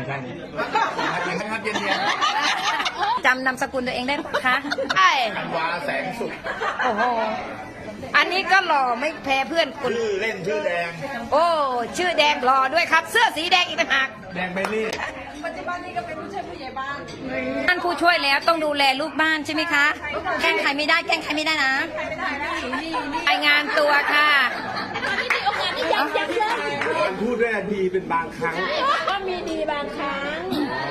ด้านนี้ครับเย็นจำนามสกุลตัวเองได้ไหมคะใช่ธันวาแสงสุขโอ้โหอันนี้ก็หล่อไม่แพ้เพื่อนคุณชื่อเล่นชื่อแดงโอ้ชื่อแดงหล่อด้วยครับ เสื้อสีแดงอีกต่างหากแดงเบลลี่ปัจจุบันนี้ก็เป็นผู้ช่วยผู้ใหญ่บ้านท่านผู้ช่วยแล้วต้องดูแลลูกบ้านใช่ไหมคะแกล้งใครไม่ได้แกล้งใครไม่ได้นะรายงานตัวค่ะการพูดได้ดีเป็นบางครั้งก็มีดีบางครั้ง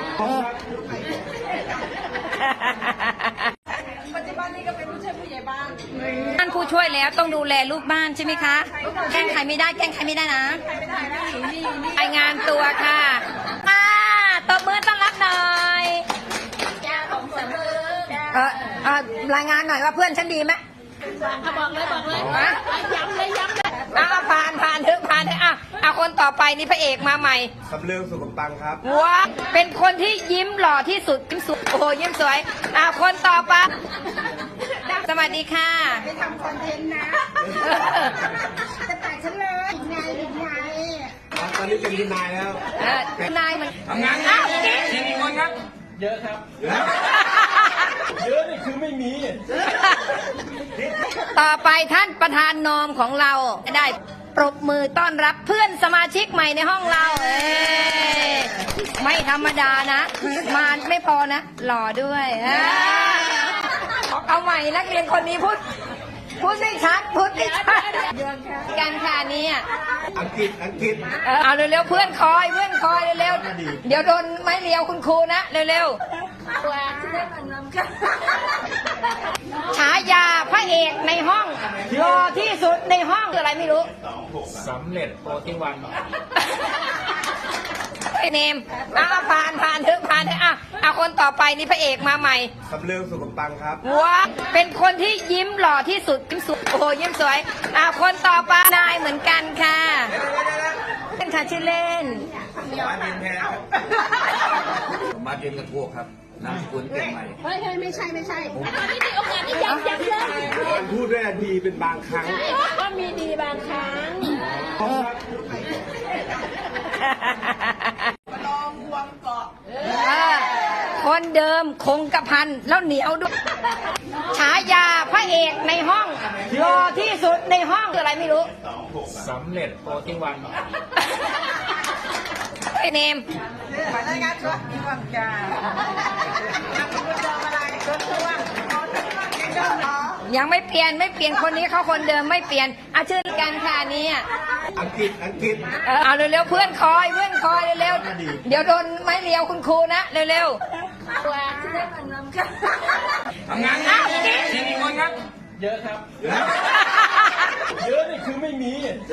ปัจจุบันนี้ก็เป็นผู้ช่วยผู้ใหญ่บ้านท่านผู้ช่วยแล้วต้องดูแลลูกบ้านใช่ไหมคะแกล้งใครไม่ได้แกล้งใครไม่ได้นะรายงานตัวค่ะตบมือต้อนรับหน่อยรายงานหน่อยว่าเพื่อนฉันดีไหมบอกเลยย้ำเลยผ่านเถอะคนต่อไปนี่พระเอกมาใหม่สำเริงสุขตังครับว้าเป็นคนที่ยิ้มหล่อที่สุดยิ้มสวยโอ้โหยิ้มสวยคนต่อไปสวัสดีค่ะไปทำคอนเทนต์นะจะตัดฉันเลยไงตอนนี้เป็นทนายแล้วนายมันทำงานกี่คนครับเยอะครับเยอะนี่คือไม่มีต่อไปท่านประธานนอมของเราได้ปรบมือต้อนรับเพื่อนสมาชิกใหม่ในห้องเราไม่ธรรมดานะมาไม่พอนะหล่อด้วยเอาใหม่นักเรียนคนนี้พูดไม่ชัดการค่ะนี้อังกฤษเอาเร็วๆเพื่อนคอยเร็วๆเดี๋ยวโดนไม้เรียวคุณครูนะเร็วๆฉายาพระเอกในห้องหล่อที่สุดในห้องคืออะไรไม่รู้สำเร็จโปรที่วันเนมผ่านเถอะคนต่อไปนี่พระเอกมาใหม่สำเริงสุขตังครับว้าเป็นคนที่ยิ้มหล่อที่สุดยิ้มสวยโอ้โหยิ้มสวยคนต่อไปนายเหมือนกันค่ะเป็นค่ะชื่อเล่นมาเรียนแทนมาเรียนกระโทกครับนามสกุลเก่งใหม่ไม่ใช่ตอนนี้มีโอกาสที่ย้ำเลยการพูดได้ดีเป็นบางครั้งก็มีดีบางครั้งลองบวงเกาะคนเดิมคงกระพันแล้วเหนียวด้วยฉายาพระเอกในห้องหล่อที่สุดในห้องคืออะไรไม่รู้สำเร็จโปรที่วันเนมรายงานตัวที่วังกายังไม่เปลี่ยนคนนี้เขาคนเดิมไม่เปลี่ยนชื่อกันค่ะนี้อังกฤษเอาเร็วๆเพื่อนคอยเร็วๆเดี๋ยวโดนไม้เรียวคุณครูนะเร็วทำงานกี่คนครับเยอะครับเยอะนี่คือไม่มี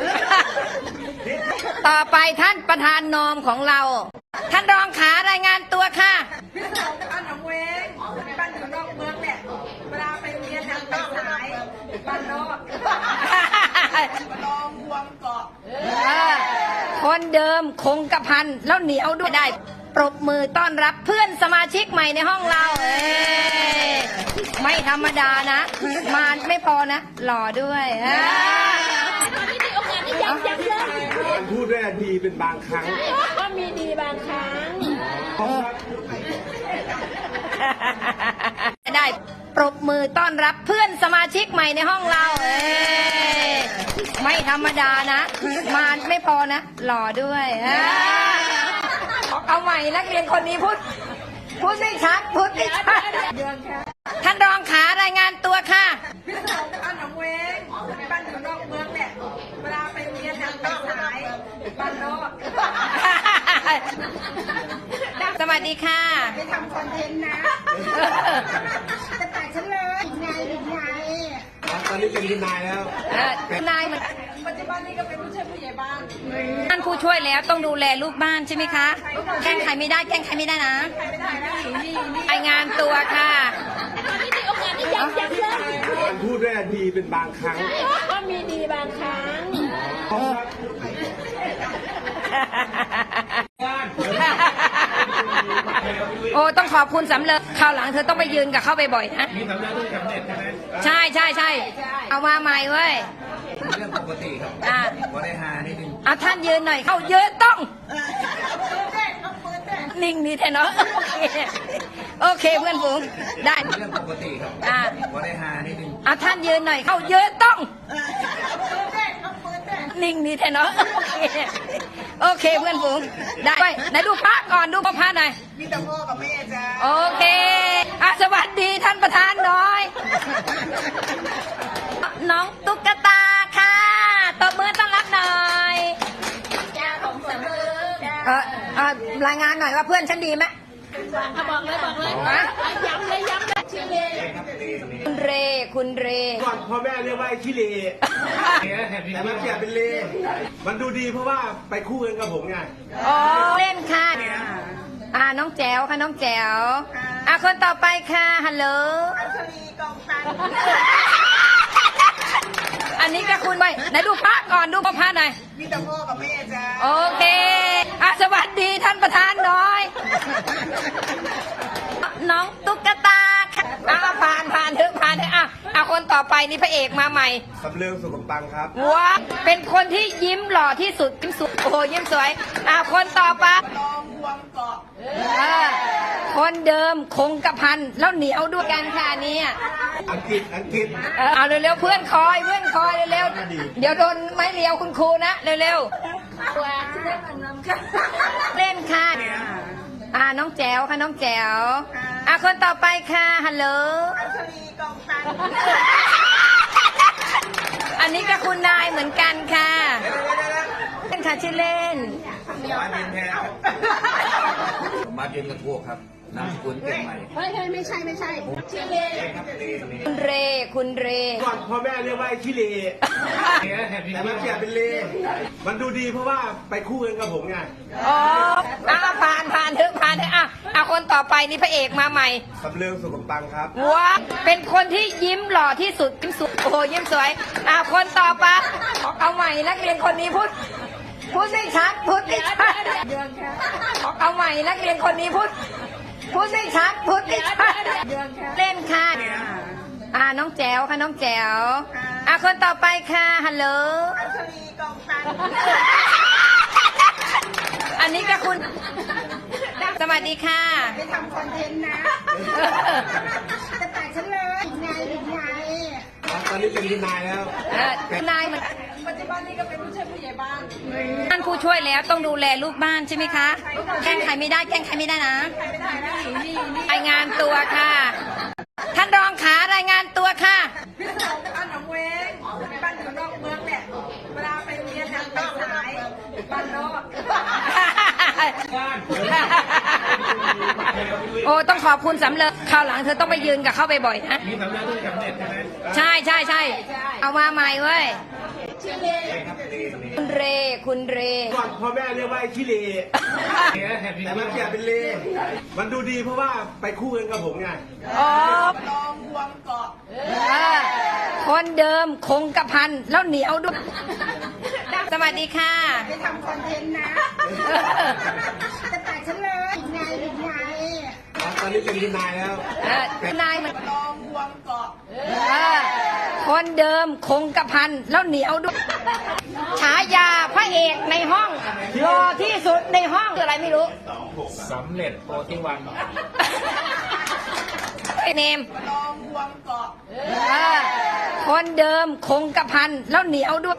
ต่อไปท่านประธานนอมของเราท่านรองขารายงานตัวค่ะพี่สาวจากบ้านหนองเวงบ้านอยู่นอกเมืองเนี่ยเวลาไปเรียนทางสายบ้านนอกลองบวงเกาะคนเดิมคงกระพันแล้วเหนียวด้วยได้ปรบมือต้อนรับเพื่อนสมาชิกใหม่ในห้องเราไม่ธรรมดานะมาไม่พอนะหล่อด้วยตอนนี้มีโอกาสที่ย้ำเลยการพูดได้ดีเป็นบางครั้งก็มีดีบางครั้งได้ปรบมือต้อนรับเพื่อนสมาชิกใหม่ในห้องเราไม่ธรรมดานะมาไม่พอนะหล่อด้วยเอาใหม่นักเรียนคนนี้พูดไม่ชัดท่านรองขารายงานตัวค่ะพี่สาวจากบ้านหนองเวงบ้านอยู่นอกเมืองเนี่ยเวลาไปเรียนทางสายบ้านนอกสวัสดีค่ะไปทำคอนเทนต์นะจะตัดฉันเลยไงตอนนี้เป็นทนายแล้วนายมันปัจจุบันนี้ก็เป็นผู้ช่วยผู้ใหญ่บ้านท่านผู้ช่วยแล้วต้องดูแลลูกบ้านใช่ไหมคะแกล้งใครไม่ได้นะรายงานตัวค่ะตอนนี้มีโอกาสที่ย้ำเลยการพูดได้ดีเป็นบางครั้งก็มีดีบางครั้งโอ้ต้องขอบคุณสำเร็จคราวหลังเธอต้องไปยืนกับเข้าไปบ่อยนะมีสำเร็จด้วยสำเร็จใช่ไหมใช่เอามาใหม่เว้ยเรื่องปกติครับพอได้หานิดนึงท่านยืนหน่อยเข้ายืนต้องนิ่งนี่แท้เนาะโอเคเพื่อนฝูงได้เรื่องปกติครับอ่าพอได้ฮานิดนึงท่านยืนหน่อยเข้ายืนต้องนิ่งนี่แท้เนาะโอเคเพื่อนฝูงได้ไปไหนดูพระก่อนดูพระหน่อยมีแต่พ่อกับแม่จ้าโอเคสวัสดีท่านประธานหน่อย น้องตุ๊กตาค่ะตบมือต้อนรับหน่อยรายงานหน่อยว่าเพื่อนฉันดีไหมบอกเลยย้ำเลยชื่อเลคุณเรก่อนพ่อแม่เรียกว่าไอ้ขี้เลแต่มันเปลี่ยนเป็นเล มันดูดีเพราะว่าไปคู่กันกับผมไงอ๋อเล่นค่ะน้องแจ๋วค่ะน้องแจ๋วคนต่อไปค่ะฮัลโหลอัญชลีกองตันอันนี้ก็คุณไปไหนดูพระก่อนดูพระหน่อยมีแต่พ่อกับแม่จ้าโอเคสวัสดีท่านประธานหน่อย น้องตุ๊กตาค่ะผ่านเถอะคนต่อไปนี่พระเอกมาใหม่สำเริงสุขปังครับว้าเป็นคนที่ยิ้มหล่อที่สุดยิ้มสวยโอ้โหยิ้มสวยคนต่อไปลองบวงเกาะคนเดิมคงกระพันแล้วเหนียวด้วยกันค่ะอันนี้อังกฤษเอาเร็วๆเพื่อนคอยเร็วๆเดี๋ยวโดนไม้เรียวคุณครูนะเร็วๆเล่นค่ะน้องแจ๋วค่ะน้องแจ๋วคนต่อไปค่ะฮัลโหลอัญชลีกองตันอันนี้ก็คุณนายเหมือนกันค่ะเล่นค่ะชื่อเล่นมาเรียนแทนครับมาเรียนกระทวกครับนามสกุลเก่งใหม่ไม่ใช่ชื่อเลคุณเรก่อนพ่อแม่เรียกว่าไอ้ขี้เล แต่มันเปลี่ยนเป็นเล มันดูดีเพราะว่าไปคู่กันกับผมไงอ๋อผ่านเถอะคนต่อไปนี่พระเอกมาใหม่สำเริงสุขปังครับว้าเป็นคนที่ยิ้มหล่อที่สุดยิ้มสวยโอ้โหยิ้มสวยคนต่อไปเอาใหม่นักเรียนคนนี้พูดไม่ชัดเอาใหม่นักเรียนคนนี้พูดไม่ชัดเล่นค่ะน้องแจ๋วค่ะน้องแจ๋วคนต่อไปค่ะฮัลโหลอัญชลีกองตันอันนี้ก็คุณสวัสดีค่ะไปทำคอนเทนต์นะจะแตกฉันเลยไงตอนนี้เป็นทนายแล้วนายมันปัจจุบันนี้ก็เป็นผู้ช่วยผู้ใหญ่บ้านท่านผู้ช่วยแล้วต้องดูแลลูกบ้านใช่ไหมคะแกล้งใครไม่ได้นะไม่ได้นะนี่รายงานตัวค่ะ ท่านรองขารายงานตัวค่ะพี่สาวบ้านหนองเวงบ้านอยู่นอกเมืองเนี่ยเวลาไปเรียนทางสายบ้านนอกโอ้ต้องขอบคุณสำเร็จคราวหลังเธอต้องไปยืนกับเข้าไปบ่อยนะมีสำเร็จด้วยสำเร็จใช่ไหมใช่เอามาใหม่เว้ยคุณเรก่อนพ่อแม่เรียกว่าไอ้ขี้เล แต่มันเปลี่ยนเป็นเล มันดูดีเพราะว่าไปคู่กันกับผมไงอ๋อลองบวงเกาะคนเดิมคงกระพันแล้วเหนียวด้วยสวัสดีค่ะไปทำคอนเทนต์นะจะแตกฉันเลยไงตอนนี้เป็นทนายแล้วนายมันลองบวงเกาะคนเดิมคงกระพันแล้วเหนียวด้วยฉายาพระเอกในห้องรอที่สุดในห้องคืออะไรไม่รู้สำเร็จโปรที่วันเนมลองบวงเกาะคนเดิมคงกระพันแล้วเหนียวด้วย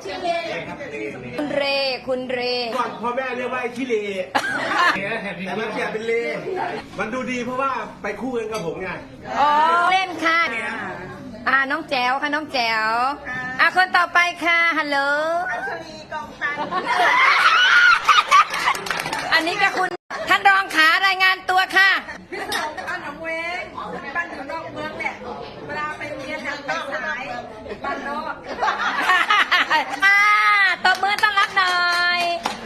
คุณเรก่อนพ่อแม่เรียกว่าไอ้ขี้เล แต่มันเปลี่ยนเป็นเล มันดูดีเพราะว่าไปคู่กันกับผมไงอ๋อเล่นค่ะน้องแจ๋วค่ะน้องแจ๋วคนต่อไปค่ะฮัลโหลอัญชลีกองตันอันนี้ก็คุณท่านรองขารายงานตัวค่ะพี่สาวบ้านหนองเวงบ้านอยู่นอกเมืองเนี่ยเวลาไปเรียนทางสายบ้านนอกตบมือต้อนรับหน่อย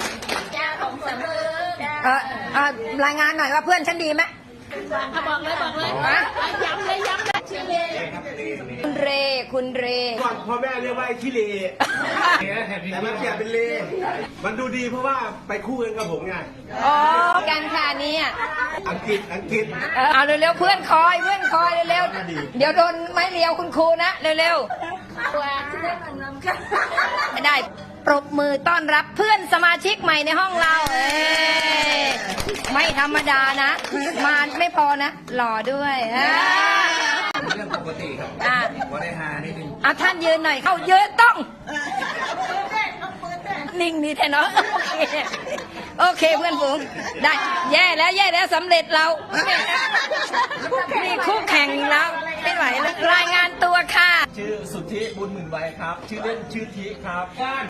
รายงานหน่อยว่าเพื่อนฉันดีไหมบอกเลยย้ำเลยชื่อเลคุณเรก่อนพ่อแม่เรียกว่าไอ้ขี้เล แต่มันเปลี่ยนเป็นเล มันดูดีเพราะว่าไปคู่กันกับผมไงอ๋อกันค่ะอันนี้อังกฤษเอาเร็วๆเพื่อนคอยเร็วๆเดี๋ยวโดนไม้เรียวคุณครูนะเร็วๆไม่ได้ปรบมือต้อนรับเพื่อนสมาชิกใหม่ในห้องเราไม่ธรรมดานะมาไม่พอนะหล่อด้วยเรื่องปกติครับว่าได้ฮานิดนึงเอาท่านยืนหน่อยเข้าเยอะต้องนิ่งนี่แทนเนาะโอเคเพื่อนฝูงได้แย่แล้วสำเร็จเรานี่คู่แข่งแล้วไม่ไหวแล้วรายงานตัวค่ะชื่อสุทธิบุญหมื่นไว้ครับ ชื่อเล่นชื่อทิครับ